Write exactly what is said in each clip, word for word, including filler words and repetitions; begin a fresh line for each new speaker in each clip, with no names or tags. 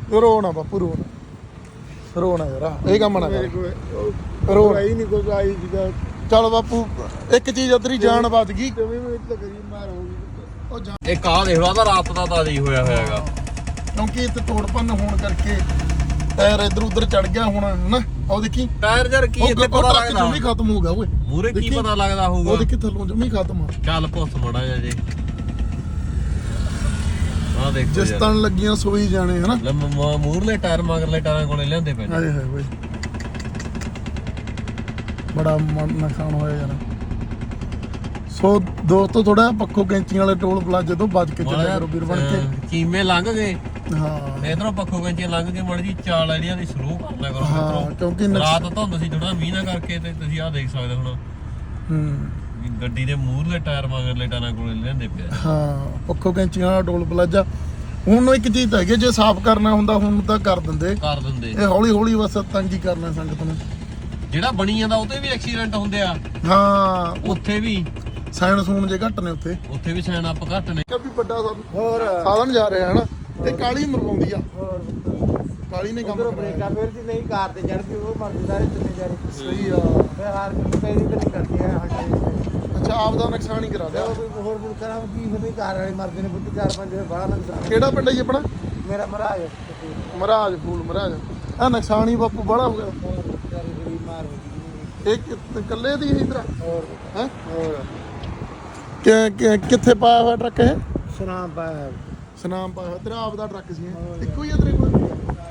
ਰੋਣਾ ਬਾਪੂ ਰੋਣਾ ਰੋਣਾ ਯਾਰ ਇਹ ਕੰਮ ਨਾ ਕਰ ਰੋਣਾ ਹੀ ਨਹੀਂ ਕੋਈ ਆਈ ਜੀਗਾ ਚੱਲ ਬਾਪੂ ਇੱਕ ਚੀਜ਼ ਅਦਰੀ ਜਾਨ ਬਚ ਗਈ ਉਹ
ਇੱਕ ਆ ਦੇਖ ਲਓ ਤਾਂ ਰਾਤ ਦਾ ਤਾਜ਼ੀ ਹੋਇਆ ਹੋਇਆ ਹੈਗਾ
ਕਿਉਂਕਿ ਇੱਥੇ ਤੋੜ ਭੰਨ ਹੋਣ ਕਰਕੇ ਟਾਇਰ ਇਧਰ ਉਧਰ ਚੜ ਗਿਆ ਹੁਣ ਹਨਾ ਉਹ ਦੇਖੀ
ਟਾਇਰ ਜਰ ਕੀ ਇੱਥੇ ਪਤਾ ਲੱਗਦਾ
ਜਮੀ ਖਤਮ ਹੋ ਗਿਆ ਓਏ
ਮੂਰੇ ਕੀ ਪਤਾ ਲੱਗਦਾ ਹੋਊਗਾ
ਉਹ ਦੇਖੀ ਥੱਲੋਂ ਜਮੀ ਖਤਮ ਆ
ਚੱਲ ਪੁੱਛ ਮੜਾ ਜਾ ਜੀ ਆ ਦੇਖੋ
ਜਿਸ ਤਣ ਲੱਗੀਆਂ ਸੋਈ ਜਾਣੇ ਹਨਾ
ਮੂਰਲੇ ਟਾਇਰ ਮਗਰਲੇ ਟਾਇਰਾਂ ਕੋਲੇ ਲਿਆਂਦੇ ਪਏ
ਹਾਏ ਹਾਏ ਓਏ ਬੜਾ ਨੁਕਸਾਨ ਹੋਇਆ ਯਾਰ ਸੋ ਦੋਸਤੋ ਥੋੜਾ ਪੱਖੋ ਕੈਂਚੀਆਂ ਵਾਲੇ ਟੋਲ ਪਲਾਜ਼ੇ ਤੋਂ ਬਚ ਕੇ ਚੱਲਿਆ ਕਰੋ ਵੀਰ ਬਣ ਕੇ
ਚੀਮੇ ਲੰਘ ਗਏ
ਹਾਂ
ਇਧਰੋਂ ਪੱਖੋ ਕੈਂਚੀਆਂ ਲੰਘ ਕੇ ਮੜ ਜੀ ਚਾਲ ਆਈਆਂ ਦੀ ਸਲੋ ਕਰ ਲਿਆ ਕਰੋ
ਹਾਂ ਕਿਉਂਕਿ
ਰਾਤ ਧੁੰਦ ਸੀ ਥੋੜਾ ਮੀਂਹ ਨਾ ਕਰਕੇ ਤੇ ਤੁਸੀਂ ਆਹ ਦੇਖ ਸਕਦੇ ਹੁਣ
ਹੂੰ
ਗੱਡੀ ਦੇ ਮੂਹਰਲੇ ਟਾਇਰ ਮਗਰਲੇ ਟਾਇਰਾਂ ਕੋਲੇ ਲਿਆਂਦੇ ਪਿਆ
ਹਾਂ ਪੱਖੋ ਕੈਂਚੀਆਂ ਵਾਲਾ ਟੋਲ ਪਲਾਜ਼ਾ ਹੁਣ ਇੱਕ ਚੀਜ਼ ਹੈਗੀ ਜੇ ਸਾਫ਼ ਕਰਨਾ ਹੁੰਦਾ ਹੁਣ ਤਾਂ ਕਰ ਦਿੰਦੇ
ਕਰ ਦਿੰਦੇ
ਇਹ ਹੌਲੀ ਹੌਲੀ ਬਸ ਤੰਗੀ ਕਰਨਾ ਸੰਗਤ ਨੂੰ
ਜਿਹੜਾ ਬਣੀ ਜਾਂਦਾ ਉਹਤੇ ਵੀ ਐਕਸੀਡੈਂਟ ਹੁੰਦੇ ਆ
ਹਾਂ
ਉੱਥੇ ਵੀ
ਸਾਇਣ ਸੂਣ ਜੇ ਘੱਟ ਨੇ ਉੱਥੇ
ਉੱਥੇ ਵੀ ਸਾਇਣ ਅਪ ਘੱਟ ਨੇ
ਵੀ ਵੱਡਾ ਹੋਰ ਸਾਧਨ ਜਾ ਰਿਹਾ ਹਨਾ ਤੇ ਕਾਲੀ ਮਰਵਾਉਂਦੀ ਆ ਕਾਲੀ ਨੇ ਕੰਮ
ਬ੍ਰੇਕਾਂ ਫਿਰ ਜੀ ਨਹੀਂ ਕਾਰ ਤੇ ਚੜ੍ਹਦੀ ਉਹ ਮਰਦੀ ਸਾਰੇ ਚੱਲੇ ਜਾ ਰਹੀ
ਸਹੀ ਆ
ਫਿਰ ਹਾਰ ਕੇ ਕਈ ਨਹੀਂ ਕਰਦੀ ਆ ਹਟੇ
ਅੱਛਾ ਆਪ ਦਾ ਨੁਕਸਾਨ ਹੀ ਕਰਾ ਦਿਆ
ਹੋਰ ਵੀ ਕਰਾਂ ਕੀ ਫਿਰ ਕਾਰ ਵਾਲੇ ਮਰਦੇ ਨੇ ਬੁੱਧ ਚਾਰ ਪੰਜ ਬੜਾ ਨੁਕਸਾਨ
ਕਿਹੜਾ ਪਿੰਡ ਹੈ ਜੀ ਆਪਣਾ
ਮੇਰਾ ਮਹਾਰਾਜ
ਮਹਾਰਾਜ ਫੂਲ ਮਹਾਰਾਜ ਆ ਨੁਕਸਾਨ ਹੀ ਬਾਪੂ ਬੜਾ ਹੋ ਗਿਆ
ਮਾਰ ਹੋ
ਇਹ ਇਕੱਲੇ ਦੀ ਹੈ ਇਧਰ
ਹੋਰ
ਹੈ
ਹੋਰ
ਕਿੱਥੇ ਪਾਇਆ ਹੋਇਆ ਟਰੱਕ ਇਹ
ਸਨਾਮ ਪਾਇਆ
ਸਨਾਮ ਪਾਇਆ ਹੋਇਆ ਤੇਰਾ ਆਪ ਦਾ ਟਰੱਕ ਸੀ ਇਹ ਇੱਕੋ ਹੀ ਆ ਤੇਰੇ ਕੋਲ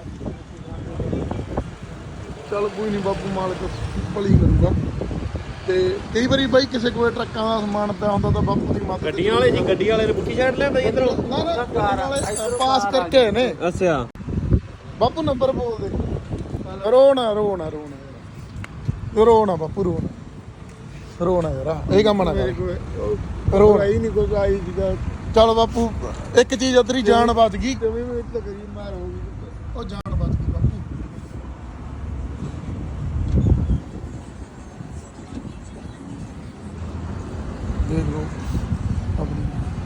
ਚੱਲ ਕੋਈ ਨਹੀਂ ਬਾਪੂ ਮਾਲਕ ਭਲੀ ਕਰੂਗਾ ਤੇ ਕਈ ਵਾਰੀ ਬਾਈ ਕਿਸੇ ਕੋਲ ਟਰੱਕਾਂ ਦਾ ਸਮਾਨ ਪਿਆ ਹੁੰਦਾ ਤਾਂ ਬਾਪੂ ਦੀ ਮਦਦ
ਗੱਡੀਆਂ ਵਾਲੇ ਜੀ ਗੱਡੀ ਵਾਲੇ ਨੇ ਪੁੱਠੀ ਸਾਈਡ ਲਿਆਂਦਾ ਜੀ ਇਧਰੋਂ
ਨਾ ਨਾ ਗੱਡੀਆਂ ਵਾਲੇ ਪਾਸ ਕਰਕੇ ਆਏ ਨੇ
ਅੱਛਾ
ਬਾਪੂ ਨੰਬਰ ਬੋਲ ਦੇ ਰੋਣਾ ਰੋਣਾ ਰੋਣਾ ਰੋਣਾ ਬਾਪੂ ਰੋਣਾ ਰੋਣਾ ਯਾਰ ਇਹ ਕੰਮ ਨਾ ਕਰ ਰੋਣਾ
ਹੀ ਨਹੀਂ ਕੋਈ ਆਈ ਜੀਗਾ
ਚੱਲ ਬਾਪੂ ਇੱਕ ਚੀਜ਼ ਅਦਰੀ ਜਾਨ ਬਚ ਗਈ
ਕਵੀ ਵਿੱਚ ਤਾਂ ਗਰੀਬ ਮਾਰ ਹੋ ਗਈ
ਉਹ ਜਾਨ ਬਚ ਗਈ ਬਾਪੂ ਦੇਖ ਲਓ ਆਪਣੀ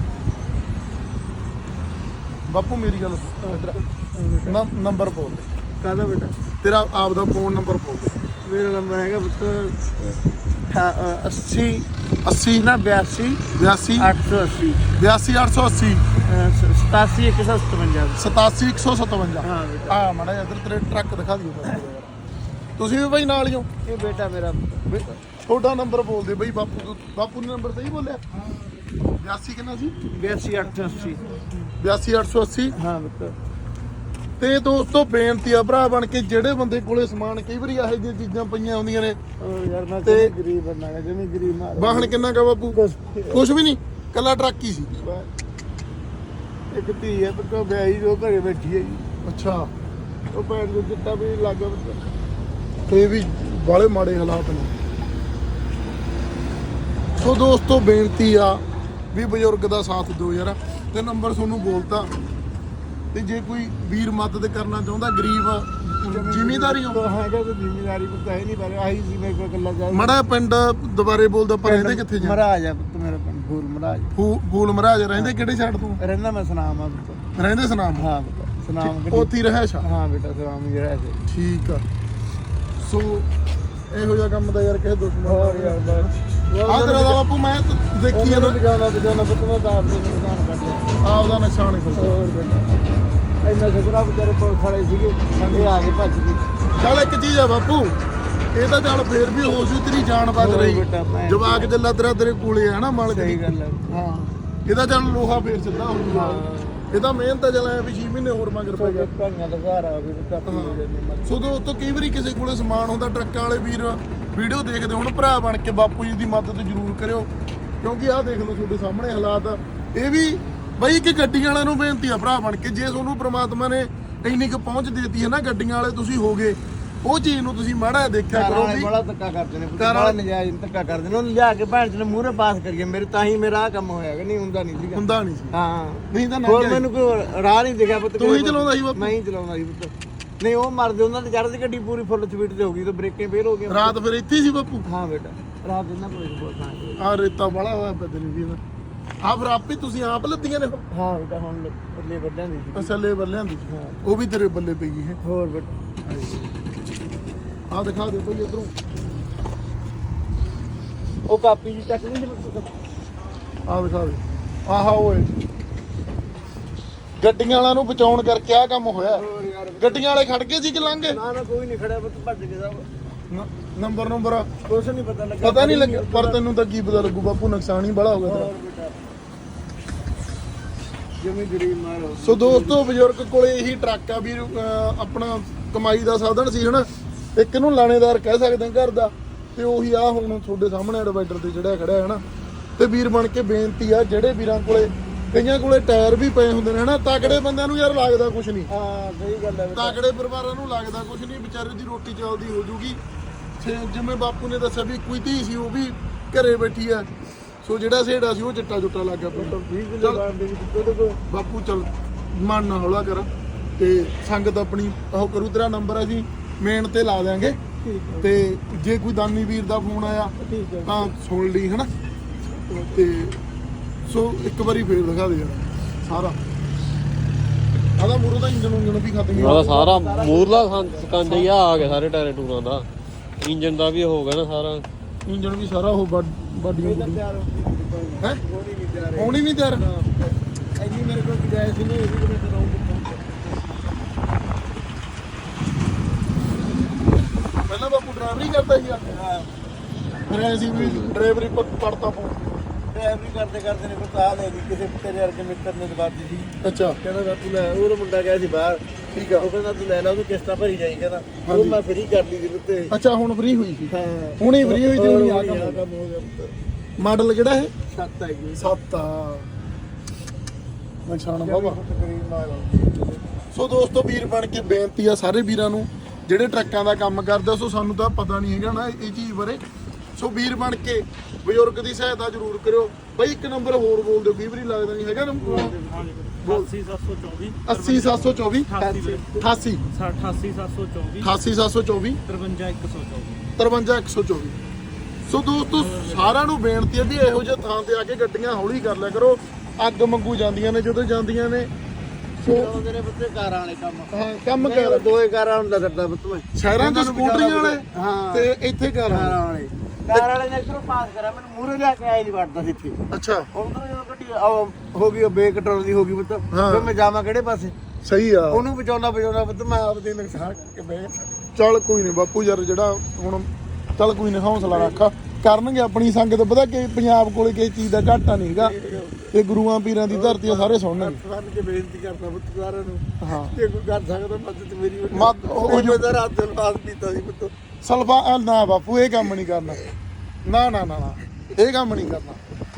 ਬਾਪੂ ਮੇਰੀ ਗੱਲ ਸੁਣ ਨੰਬਰ ਬੋਲ ਦੇ
ਕਾਹਦਾ ਬੇਟਾ
ਤੇਰਾ ਆਪ ਦਾ ਫੋਨ ਨੰਬਰ ਬੋਲ ਦੇ
ਮੇਰਾ ਨੰਬਰ ਹੈਗਾ ਪੁੱਤ अस्सी
अस्सी
ना बयासी
बयासी
आठ सौ अस्सी
बयासी आठ सौ अस्सी
सतासी एक सौ सतवंजा
सतासी एक सौ सतवंजा
हाँ
आ माड़ा इधर तेरे ट्रक दिखा दियो ਤੁਸੀਂ ਵੀ ਬਾਈ ਨਾਲ ਹੀ ਹੋ
ਇਹ ਬੇਟਾ ਮੇਰਾ
ਤੁਹਾਡਾ ਨੰਬਰ ਬੋਲ ਦੇ ਬਈ ਬਾਪੂ ਬਾਪੂ ਨੇ ਨੰਬਰ ਸਹੀ ਬੋਲਿਆ ਬयासी ਕਿੰਨਾ ਸੀ
बयासी आठ सौ अस्सी
बयासी आठ सौ अस्सी
ਹਾਂ ਬੇਟਾ
ਤੇ ਦੋਸਤੋ ਬੇਨਤੀ ਆ ਭਰਾ ਬਣ ਕੇ ਜਿਹੜੇ ਬੰਦੇ ਕੋਲੇ ਸਮਾਨ ਕਈ ਵਾਰੀ ਇਹੋ ਜਿਹੀਆਂ ਚੀਜ਼ਾਂ ਪਈਆਂ ਹੁੰਦੀਆਂ ਨੇ
ਯਾਰ ਮੈਂ
ਤੇ
ਗਰੀਬ ਬੰਦਾ ਹੈ ਜਿਵੇਂ ਗਰੀਬ ਮਾਰ
ਵਾਹਣ ਕਿੰਨਾ ਕਾ ਬਾਪੂ ਕੁਛ ਵੀ ਨਹੀਂ ਕੱਲਾ ਟਰੱਕ ਹੀ ਸੀ
ਇੱਕ ਧੀ ਹੈ ਪੱਕਾ ਵਿਆਹੀ ਜੋ ਘਰੇ ਬੈਠੀ ਹੈ ਜੀ
ਅੱਛਾ
ਉਹ ਪੈਰ ਨੂੰ ਚਿੱਟਾ ਵੀ ਲੱਗ
ਇਹ ਵੀ ਬਾਲੇ ਮਾੜੇ ਹਾਲਾਤ ਨੇ ਸੋ ਦੋਸਤੋ ਬੇਨਤੀ ਆ ਵੀ ਬਜ਼ੁਰਗ ਦਾ ਸਾਥ ਦਿਓ ਯਾਰ ਤੇ ਨੰਬਰ ਤੁਹਾਨੂੰ ਬੋਲਤਾ ਤੇ ਜੇ ਕੋਈ ਵੀਰ ਮਦਦ ਕਰਨਾ ਚਾਹੁੰਦਾ ਗਰੀਬ ਜ਼ਿਮੀਂਦਾਰੀ ਹੋ
ਹੈਗਾ ਤੇ ਜ਼ਿਮੀਂਦਾਰੀ ਪਤਾ ਹੈ ਨਹੀਂ ਪਰ ਆਹੀ ਸੀ ਮੇਰੇ ਕੋਲ ਗੱਲਾਂ ਜਾ
ਮੜਾ ਪਿੰਡ ਦੁਬਾਰੇ ਬੋਲਦਾ ਪਰ ਰਹਿੰਦੇ ਕਿੱਥੇ ਜੀ
ਮਹਾਰਾਜ ਆ ਪੁੱਤ ਮੇਰਾ ਪਿੰਡ ਫੂਲ ਮਹਾਰਾਜ
ਫੂਲ ਮਹਾਰਾਜ ਰਹਿੰਦੇ ਕਿਹੜੇ ਸਾਈਡ ਤੋਂ
ਰਹਿੰਦਾ ਮੈਂ ਸਨਾਮ ਆ ਪੁੱਤ
ਰਹਿੰਦੇ ਸਨਾਮ
ਹਾਂ ਬੇਟਾ ਸਨਾਮ
ਉੱਥੇ ਹੀ ਰਹਿਸ਼ ਆ
ਹਾਂ ਬੇਟਾ ਸਨਾਮ ਹੀ ਰਹਿ ਸੀ
ਠੀਕ ਆ ਸੋ ਇਹੋ ਜਿਹਾ ਕੰਮ ਦਾ ਯਾਰ ਕਿਸੇ ਦੁਸ਼ਮਣ
ਹੋਰ ਯਾਰ ਬਸ
ਆ ਤੇਰਾ ਦਾ ਬਾਪੂ ਮੈਂ ਦੇਖੀ
ਇਹਨਾਂ ਬਜਾਣਾ ਬਜਾਣਾ ਪੁੱਤ ਮੈਂ ਦਾਬ ਦੇ ਨੁਕਸਾਨ ਕਰ ਲਿਆ
ਆਪਦਾ ਨੁਕਸਾਨ ਹੀ
ਹੋਰ ਬੇਟਾ ਇੰਨਾ ਸ਼ੁਕਰਾ ਵਿਚਾਰੇ ਕੋਲ ਖੜੇ ਸੀਗੇ ਸੰਗੇ ਆ ਕੇ ਭੱਜ ਗਏ
ਚੱਲ ਇੱਕ ਚੀਜ਼ ਆ ਬਾਪੂ ਇਹ ਤਾਂ ਚੱਲ ਫੇਰ ਵੀ ਹੋ ਜੂ ਤੇਰੀ ਜਾਨ ਬਚ ਰਹੀ ਜਵਾਕ ਜੱਲਾ ਤੇਰਾ ਤੇਰੇ ਕੋਲੇ ਆ ਨਾ ਮਾਲਕ
ਸਹੀ ਗੱਲ ਹੈ
ਹਾਂ ਇਹਦਾ ਚੱਲ ਲੋਹਾ ਫੇਰ ਸਿੱਧਾ ਹੋ ਜੂਗਾ ਇਹਦਾ ਮਿਹਨਤ ਚੱਲ ਆਇਆ ਵੀ ਛੇ ਮਹੀਨੇ ਹੋਰ ਮਗਰ ਪੈ ਗਿਆ
ਭਾਈਆਂ ਦਾ ਘਰ ਆ ਵੀ ਕੱਟ ਜਾਂਦੇ
ਸੋ ਦੋਸਤੋ ਕਈ ਵਾਰੀ ਕਿਸੇ ਕੋਲੇ ਸਮਾਨ ਹੁੰਦਾ ਟਰੱਕਾਂ ਵਾਲੇ ਵੀਰ ਵੀਡੀਓ ਦੇਖਦੇ ਹੁਣ ਭਰਾ ਬਣ ਕੇ ਬਾਪੂ ਜੀ ਦੀ ਮਦਦ ਜ਼ਰੂਰ ਕਰਿਓ ਕਿਉਂਕਿ ਆਹ ਦੇਖ ਲਓ ਤੁਹਾਡੇ ਸਾਹਮਣੇ ਹਾਲਾਤ ਇਹ ਵੀ ਬਈ ਕਿ ਗੱਡੀਆਂ ਵਾਲਿਆਂ ਨੂੰ ਬੇਨਤੀ ਆ ਭਰਾ ਬਣ ਕੇ ਜੇ ਤੁਹਾਨੂੰ ਪ੍ਰਮਾਤਮਾ ਨੇ ਇੰਨੀ ਕੁ ਪਹੁੰਚ ਦੇਤੀ ਹੈ ਨਾ ਗੱਡੀਆਂ ਵਾਲੇ ਤੁਸੀਂ ਹੋਗੇ ਉਹ ਚੀਜ਼ ਨੂੰ ਤੁਸੀਂ ਮਾੜਾ ਦੇਖਿਆ ਕਰੋ ਵੀ
ਬੜਾ ਧੱਕਾ ਕਰਦੇ ਨੇ ਬੜਾ ਨਜਾਇਜ਼ ਧੱਕਾ ਕਰਦੇ ਨੇ ਉਹਨੂੰ ਲਿਆ ਕੇ ਭੈਣ ਚ ਮੂਹਰੇ ਪਾਸ ਕਰੀਏ ਮੇਰੇ ਤਾਂ ਹੀ ਮੇਰਾ ਆ ਕੰਮ ਹੋਇਆ ਕਿ ਨਹੀਂ ਹੁੰਦਾ ਨਹੀਂ ਸੀਗਾ
ਹੁੰਦਾ ਨਹੀਂ ਸੀ
ਹਾਂ
ਨਹੀਂ ਤਾਂ
ਹੋਰ ਮੈਨੂੰ ਕੋਈ ਰਾਹ ਨਹੀਂ ਦਿਖਿਆ ਪੁੱਤ
ਤੂੰ ਹੀ ਚਲਾਉਂਦਾ ਸੀ ਬਾਪੂ
ਮੈਂ ਹੀ ਚਲਾਉਂਦਾ ਸੀ ਪੁੱਤ ਨਹੀਂ ਉਹ ਮਰਦੇ ਉਹਨਾਂ ਤੇ ਚੜ੍ਹਦੀ ਗੱਡੀ ਪੂਰੀ ਫੁੱਲ ਸਪੀਡ ਤੇ ਹੋ ਗਈ ਤੇ ਬ੍ਰੇਕਾਂ ਫੇਲ ਹੋ ਗਈਆਂ
ਰਾਤ ਫਿਰ ਇੱਥੇ ਸੀ ਬਾਪੂ
ਹਾਂ ਬੇਟਾ ਰਾਤ ਇਹਨਾਂ ਕੋਲ ਬਹੁਤ ਸਾਂ
ਆ ਰੇਤਾ ਬੜਾ ਹੋਇਆ ਪਤਾ ਨਹੀਂ ਵੀ ਇਹਦਾ ਆ ਫਿਰ ਆਪੇ ਤੁਸੀਂ ਆਪ ਲੱਦੀਆਂ ਨੇ
ਹਾਂ ਬੇਟਾ ਹੁਣ ਬੱਲੇ ਵੱਡਾਂ ਦੀ ਸੀ।
ਅਸਲੇ ਬੱਲਿਆਂ ਦੀ
ਹਾਂ
ਉਹ ਵੀ ਤੇਰੇ ਬੱਲੇ ਪਈ ਹੈ
ਹੋਰ ਬੇਟਾ
ਆ ਦਿਖਾ ਦੇ ਭਾਈ ਇਧਰੋਂ
ਉਹ ਕਾਪੀ ਜੀ ਚੱਕ ਨਹੀਂ
ਆ ਦਿਖਾ ਦੇ ਆਹਾ ਓਏ ਗੱਡੀਆਂ ਵਾਲਿਆਂ ਨੂੰ ਬਚਾਉਣ ਕਰਕੇ ਆ ਕੰਮ ਹੋਇਆ
ਹੋਰ ਯਾਰ
ਗੱਡੀਆਂ ਵਾਲੇ ਖੜ ਗਏ ਸੀ ਕਿ ਲੰਘ ਗਏ
ਨਾ ਨਾ ਕੋਈ ਨਹੀਂ ਖੜਿਆ ਬਸ ਭੱਜ ਗਿਆ ਸਭ
ਨ- ਨੰਬਰ ਨੰਬਰ
ਕੁਛ ਨਹੀਂ ਪਤਾ ਲੱਗਾ
ਪਤਾ ਨਹੀਂ ਲੱਗਿਆ ਪਰ ਤੈਨੂੰ ਤਾਂ ਕੀ ਪਤਾ ਲੱਗੂ ਬਾਪੂ ਨੁਕਸਾਨ ਹੀ ਬੜਾ ਹੋ ਗਿਆ ਤੇਰਾ
ਹੋਰ ਬੇਟਾ ਜਮੀ ਗਰੀਬ ਮਾਰ ਹੋ
ਸੋ ਦੋਸਤੋ ਬਜ਼ੁਰਗ ਕੋਲੇ ਇਹੀ ਟਰੱਕ ਆ ਵੀ ਅਹ, ਆਪਣਾ ਕਮਾਈ ਦਾ ਸਾਧਨ ਸੀ ਹਨਾ ਇੱਕ ਨੂੰ ਲਾਣੇਦਾਰ ਕਹਿ ਸਕਦੇ ਹਾਂ ਘਰ ਦਾ ਤੇ ਉਹੀ ਆ ਹੁਣ ਤੁਹਾਡੇ ਸਾਹਮਣੇ ਡਿਵਾਈਡਰ ਤੇ ਜਿਹੜਾ ਖੜਾ ਹੈ ਹਨਾ ਤੇ ਵੀਰ ਬਣ ਕੇ ਬੇਨਤੀ ਆ ਜਿਹੜੇ ਵੀਰਾਂ ਕੋਲੇ ਕਈਆਂ ਕੋਲੇ ਟਾਇਰ ਵੀ ਪਏ ਹੁੰਦੇ ਨੇ ਹਨਾ ਤਕੜੇ ਬੰਦਿਆਂ ਨੂੰ ਯਾਰ ਲੱਗਦਾ ਕੁਝ ਨਹੀਂ
ਹਾਂ ਸਹੀ ਗੱਲ ਹੈ ਬੇਟਾ
ਤਕੜੇ ਪਰਿਵਾਰਾਂ ਨੂੰ ਲੱਗਦਾ ਕੁਝ ਨਹੀਂ ਵਿਚਾਰੇ ਦੀ ਰੋਟੀ ਚੱਲਦੀ ਹੋ ਜੂਗੀ ਤੇ ਜਿਵੇਂ ਬਾਪੂ ਨੇ ਦੱਸਿਆ ਵੀ ਕੋਈ ਧੀ ਸੀ ਉਹ ਵੀ ਘਰੇ ਬੈਠੀ ਆ ਸੋ ਜਿਹੜਾ ਸੇੜਾ ਸੀ ਉਹ ਚਿੱਟਾ ਚੁੱਟਾ ਲੱਗ ਗਿਆ ਪਿੰਡ
ਵੀਹ ਕਿਲੋ ਬਾਣ ਦੇ ਵਿੱਚ ਤੁਹਾਡੇ ਕੋਲ
ਬਾਪੂ ਚੱਲ ਮਨ ਨਾ ਹੌਲਾ ਕਰ ਤੇ ਸੰਗਤ ਆਪਣੀ ਉਹ ਕਰੂ ਤੇਰਾ ਨੰਬਰ ਅਸੀਂ ਮੇਨ ਤੇ ਲਾ ਦਿਆਂਗੇ
ਠੀਕ ਹੈ
ਤੇ ਜੇ ਕੋਈ ਦਾਨੀ ਵੀਰ ਦਾ ਫੋਨ ਆਇਆ
ਠੀਕ ਹੈ
ਤਾਂ ਸੁਣ ਲਈ ਹਨਾ ਤੇ ਸੋ ਇੱਕ ਵਾਰੀ ਫੇਰ ਦਿਖਾ ਦੇ ਯਾਰ ਸਾਰਾ ਆਦਾ ਮੂਰੋ ਦਾ ਇੰਜਨ ਉਂਜਨ ਵੀ ਖਤਮ ਹੀ
ਉਹਦਾ ਸਾਰਾ ਮੂਰਲਾ ਸਕੰਜ ਹੀ ਆ ਗਿਆ ਸਾਰੇ ਟਾਇਰ ਟੂਰਾਂ ਦਾ ਇੰਜਨ ਦਾ ਵੀ ਹੋ ਗਿਆ ਨਾ ਸਾਰਾ
ਇੰਜਨ ਵੀ ਸਾਰਾ ਉਹ ਬਾਡੀਆਂ
ਇਹਦਾ ਤਿਆਰ ਹੋ ਗਈ
ਹੈ
ਕੋਈ ਨਹੀਂ ਤਿਆਰ
ਹੋਣੀ ਨਹੀਂ ਤਿਆਰ
ਇੰਨੀ ਮੇਰੇ ਕੋਲ ਗੁਜਾਇਸ਼ ਨਹੀਂ ਇਹ ਵੀ ਮੈਂ ਕਰਾਉਂਗਾ
ਪਹਿਲਾਂ ਬਾਪੂ ਡਰਾਈਵਰੀ ਕਰਦਾ ਸੀਗਾ
ਹਾਂ
ਫਿਰ ਐਸੀ ਵੀ ਡਰਾਈਵਰੀ ਪੜਤਾ ਪਊ
ਡਰਾਈਵਰੀ ਕਰਦੇ ਕਰਦੇ ਨੇ ਕੋਈ ਕਾਲ ਹੈ ਜੀ ਕਿਸੇ ਤੇਰੇ ਵਰਗੇ ਮਿੱਤਰ ਨੇ ਦਵਾਤੀ ਸੀ
ਅੱਛਾ
ਕਹਿੰਦਾ ਬਾਪੂ ਲੈ ਉਹ ਮੁੰਡਾ ਗਿਆ ਸੀ ਬਾਹਰ
ਠੀਕ ਆ
ਉਹ ਕਹਿੰਦਾ ਤੂੰ ਲੈ ਲੈ ਉਹਨੂੰ ਕਿਸ਼ਤਾਂ ਭਰੀ ਜਾਈ ਕਹਿੰਦਾ ਉਹ ਮੈਂ ਫਰੀ ਕਰ ਲਈ ਸੀ ਉੱਤੇ
ਅੱਛਾ ਹੁਣ ਫ੍ਰੀ ਹੋਈ ਸੀ
ਹਾਂ
ਹੁਣੇ ਫ੍ਰੀ ਹੋਈ ਤੇ ਹੁਣੀ ਆ
ਆਹ
ਕੰਮ
ਕੰਮ ਹੋ ਗਿਆ ਪੁੱਤ
ਮਾਡਲ ਕਿਹੜਾ ਹੈ
ਸੱਤ ਹੈਗੀ
ਸੱਤ ਆ ਨਿਸ਼ਾਨ ਬਾਬਾ
ਤਕਰੀਬ ਮਾਰ
ਸੋ ਦੋਸਤੋ ਵੀਰ ਬਣ ਕੇ ਬੇਨਤੀ ਆ ਸਾਰੇ ਵੀਰਾਂ ਨੂੰ ਜਿਹੜੇ ਟਰੱਕਾਂ ਦਾ ਕੰਮ ਕਰਦੇ ਸੋ ਸਾਨੂੰ ਤਾਂ ਪਤਾ ਨਹੀਂ ਹੈਗਾ ਨਾ ਇਹ ਚੀਜ਼ ਬਾਰੇ ਸੋ ਵੀਰ ਬਣ ਕੇ ਬਜ਼ੁਰਗ ਦੀ ਸਹਾਇਤਾ ਜ਼ਰੂਰ ਕਰਿਓ ਬਈ ਇੱਕ ਨੰਬਰ ਹੋਰ ਬੋਲ ਦਿਓ ਕਈ ਵਾਰੀ ਲੱਗਦਾ ਨਹੀਂ ਹੈਗਾ ਨੰਬਰ
ਅਠਾਸੀ ਸੱਤ ਸੌ ਚੌਵੀ
ਅੱਸੀ ਸੱਤ ਸੌ ਚੌਵੀ
ਅਠਾਸੀ
ਅਠਾਸੀ
ਅਠਾਸੀ ਸੱਤ ਸੌ ਚੌਵੀ
ਅਠਾਸੀ ਸੱਤ ਸੌ ਚੌਵੀ
ਤਰਵੰਜਾ ਇੱਕ ਸੌ ਚੌਵੀ
ਤਰਵੰਜਾ ਇੱਕ ਸੌ ਚੌਵੀ ਸੋ ਦੋਸਤੋ ਸਾਰਿਆਂ ਨੂੰ ਬੇਨਤੀ ਹੈ ਵੀ ਇਹੋ ਜਿਹੇ ਥਾਂ ਤੇ ਆ ਕੇ ਗੱਡੀਆਂ ਹੌਲੀ ਕਰ ਲਿਆ ਕਰੋ ਅੱਗ ਮੰਗੂ ਜਾਂਦੀਆਂ ਨੇ ਜਦੋਂ ਜਾਂਦੀਆਂ ਨੇ ਸੋ
ਤੇਰੇ ਬੱਤੇ ਕਾਰਾਂ ਵਾਲੇ ਕੰਮ
ਹਾਂ ਕੰਮ ਕਰ
ਦੋਏ ਕਾਰਾਂ ਹੁੰਦਾ ਕਰਦਾ ਪੁੱਤ ਮੈਂ
ਸ਼ਹਿਰਾਂ 'ਚ ਸਕੂਟਰੀਆਂ ਵਾਲੇ
ਹਾਂ
ਤੇ ਇੱਥੇ ਘਰ
ਕਾਰਾਂ ਵਾਲੇ ਕਾਰ ਵਾਲੇ ਨੇ ਇੱਧਰੋਂ ਪਾਸ ਕਰਿਆ ਮੈਨੂੰ ਮੂਹਰੇ ਲਿਆ ਕੇ ਆਏ ਨਹੀਂ ਵੜਦਾ ਸੀ ਇੱਥੇ
ਅੱਛਾ
ਉਧਰ ਜਦੋਂ ਗੱਡੀ ਆਹ ਹੋ ਗਈ ਬੇਕੰਟਰੋਲ ਦੀ ਹੋ ਗਈ ਪੁੱਤ
ਹਾਂ।
ਫਿਰ ਮੈਂ ਜਾਵਾਂ ਕਿਹੜੇ ਪਾਸੇ
ਸਹੀ ਆ
ਉਹਨੂੰ ਬਚਾਉਣਾ ਬਚਾਉਣਾ ਪੁੱਤ ਮੈਂ ਆਪਦੇ ਨੁਕਸਾਨ ਕੇ ਬਹਿ
ਚੱਲ ਕੋਈ ਨਹੀਂ ਬਾਪੂ ਯਾਰ ਜਿਹੜਾ ਹੁਣ ਚੱਲ ਕੋਈ ਨਹੀਂ ਹੌਸਲਾ ਰੱਖ ਕਰਨਗੇ ਆਪਣੀ ਸੰਗਤ ਪਤਾ ਕਿ ਪੰਜਾਬ ਕੋਲੇ ਕਿਸੇ ਚੀਜ਼ ਦਾ ਘਾਟਾ ਨਹੀਂ ਹੈਗਾ ਇਹ ਗੁਰੂਆਂ ਪੀਰਾਂ ਦੀ ਧਰਤੀ ਆ ਸਾਰੇ ਸੁਣਨਗੇ
ਫੜ ਕੇ ਬੇਨਤੀ ਕਰਦਾ ਪੁੱਤ ਸਾਰਿਆਂ ਨੂੰ
ਹਾਂ
ਜੇ ਕੋਈ ਕਰ ਸਕਦਾ ਮਦਦ ਮੇਰੀ ਵੱਲੋਂ।
ਮਦ- ਉਹ
ਉਹ
ਜੋ-
ਜੋ ਰਾਤ ਦਿਨ ਬਾਅਦ ਪੀਤਾ ਸੀ ਪੁੱਤ
ਸਲਫਾ ਅ, ਨਾ ਬਾਪੂ ਇਹ ਕੰਮ ਨਹੀਂ ਕਰਨਾ ਨਾ ਨਾ ਨਾ ਨਾ ਇਹ ਕੰਮ ਨਹੀਂ ਕਰਨਾ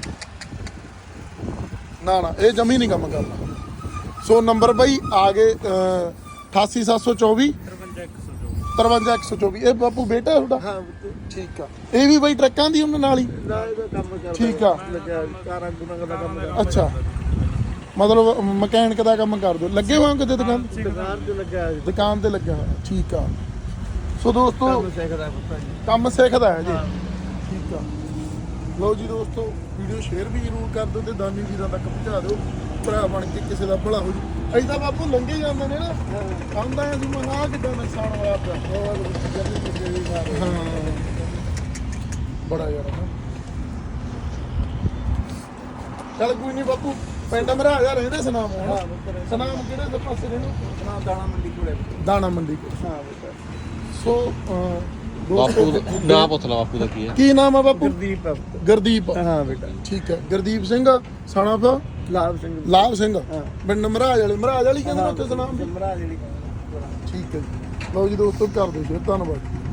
ਨਾ ਨਾ ਇਹ ਜਮੀ ਨਹੀਂ ਕੰਮ ਕਰਨਾ ਸੋ ਨੰਬਰ ਬਈ ਆ ਗਏ ਅਠਾਸੀ ਸੱਤ ਸੌ ਚੌਵੀ
ਤਰਵੰਜਾ ਇੱਕ ਸੌ ਚੌਵੀ
ਤਰਵੰਜਾ ਇੱਕ ਸੌ ਚੌਵੀ ਇਹ ਬਾਪੂ ਬੇਟਾ ਤੁਹਾਡਾ
ਹਾਂ ਪੁੱਤ
ਠੀਕ ਆ ਇਹ ਵੀ ਬਈ ਟਰੱਕਾਂ ਦੀ ਉਹਨਾਂ ਨਾਲ ਹੀ
ਨਾ ਇਹਦਾ ਕੰਮ ਕਰਦਾ
ਠੀਕ ਆ।
ਲੱਗਿਆ ਕਾਰਾਂ ਗੁਣਾ ਦਾ ਕੰਮ ਕਰਦਾ
ਅੱਛਾ ਮਤਲਬ ਮਕੈਨਿਕ ਦਾ ਕੰਮ ਕਰ ਦੋ ਲੱਗੇ ਹੋਏ ਹੋ ਕਿਤੇ ਦੁਕਾਨ
ਦੁਕਾਨ ਤੇ ਲੱਗਿਆ ਹੋਇਆ ਸੀ।
ਦੁਕਾਨ ਤੇ ਲੱਗਿਆ ਹੋਇਆ ਠੀਕ ਆ ਸੋ ਦੋਸਤੋ
ਕੰਮ ਸਿੱਖਦਾ ਪੁੱਤ ਜੀ
ਕੰਮ ਸਿੱਖਦਾ ਹੈ ਜੀ ਠੀਕ ਆ ਲਓ ਜੀ ਦੋਸਤੋ ਵੀਡੀਓ ਸ਼ੇਅਰ ਵੀ ਜ਼ਰੂਰ ਕਰ ਦਿਓ ਤੇ ਦਾਨੀ ਵੀਰਾਂ ਤੱਕ ਪਹੁੰਚਾ ਦਿਓ ਭਰਾ ਬਣ ਕੇ ਕਿਸੇ ਦਾ ਭਲਾ ਹੋ ਜੀ ਅਸੀਂ ਤਾਂ ਬਾਪੂ ਲੰਘੇ ਜਾਂਦੇ ਨੇ ਨਾ ਆਉਂਦਾ ਅਸੀਂ ਮਨਾ ਕਿੱਦਾਂ ਨੁਕਸਾਨ ਹੋਇਆ ਪਿਆ ਹਾਂ ਬੜਾ ਯਾਰ ਨਾ ਚੱਲ ਕੋਈ ਨਹੀਂ ਬਾਪੂ ਪਿੰਡ ਮੇਰਾ ਆ ਰਹਿੰਦੇ ਸਨਾਮ
ਹਾਂ
ਹੁਣ
ਪੁੱਤ
ਸਨਾਮ ਕਿਹੜੇ ਦੇ ਪਾਸੇ ਰਹਿੰਦੇ
ਨਾ ਦਾਣਾ ਮੰਡੀ ਕੋਲੇ
ਦਾਣਾ ਮੰਡੀ ਕੋਲ
ਹਾਂ ਪੁੱਤ
ਸੋ ਅਹ,
ਬਾਪੂ
ਦੋਸਤੋ
ਦਾ ਨਾਂ ਪੁੱਛ ਲਾ ਬਾਪੂ ਦਾ ਕੀ ਹੈ
ਕੀ ਨਾਮ ਆ ਬਾਪੂ
ਗੁਰਦੀਪ ਆ ਪੁੱਤ।
ਗੁਰਦੀਪ
ਹਾਂ ਬੇਟਾ
ਠੀਕ ਹੈ ਗੁਰਦੀਪ ਸਿੰਘ ਸਨ of
ਲਾਭ ਸਿੰਘ
ਲਾਭ ਸਿੰਘ
ਹਾਂ।
ਪਿੰਡ ਮਹਾਰਾਜ ਵਾਲੇ ਮਹਾਰਾਜ ਵਾਲੀ ਕਹਿੰਦੇ ਨੇ ਉੱਥੇ ਸਨਾਮ
ਜਮਰਾ ਜਿਹੜੀ
ਠੀਕ ਹੈ ਜੀ ਲਓ ਜੀ ਦੋਸਤੋ ਕਰ ਦਿਓ ਸ਼ੇਅਰ ਧੰਨਵਾਦ